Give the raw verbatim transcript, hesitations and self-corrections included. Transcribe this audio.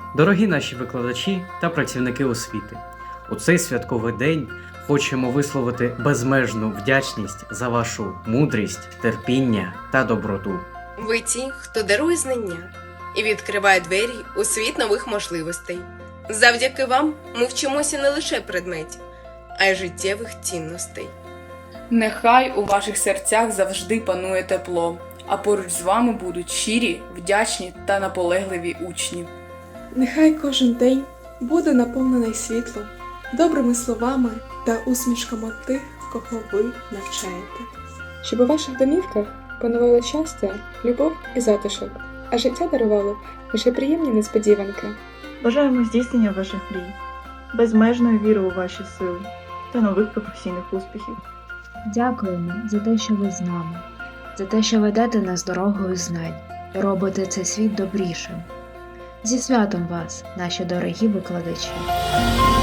Дорогі наші викладачі та працівники освіти, у цей святковий день хочемо висловити безмежну вдячність за вашу мудрість, терпіння та доброту. Ви ті, хто дарує знання і відкриває двері у світ нових можливостей. Завдяки вам ми вчимося не лише предметів, а й життєвих цінностей. Нехай у ваших серцях завжди панує тепло, а поруч з вами будуть щирі, вдячні та наполегливі учні. Нехай кожен день буде наповнений світлом, добрими словами та усмішками тих, кого ви навчаєте. Щоб у ваших домівках панувало щастя, любов і затишок, а життя дарувало лише приємні несподіванки. Бажаємо здійснення ваших мрій, безмежної віри у ваші сили та нових професійних успіхів. Дякуємо за те, що ви з нами, за те, що ведете нас дорогою знань і робите цей світ добрішим. Зі святом вас, наші дорогі викладачі!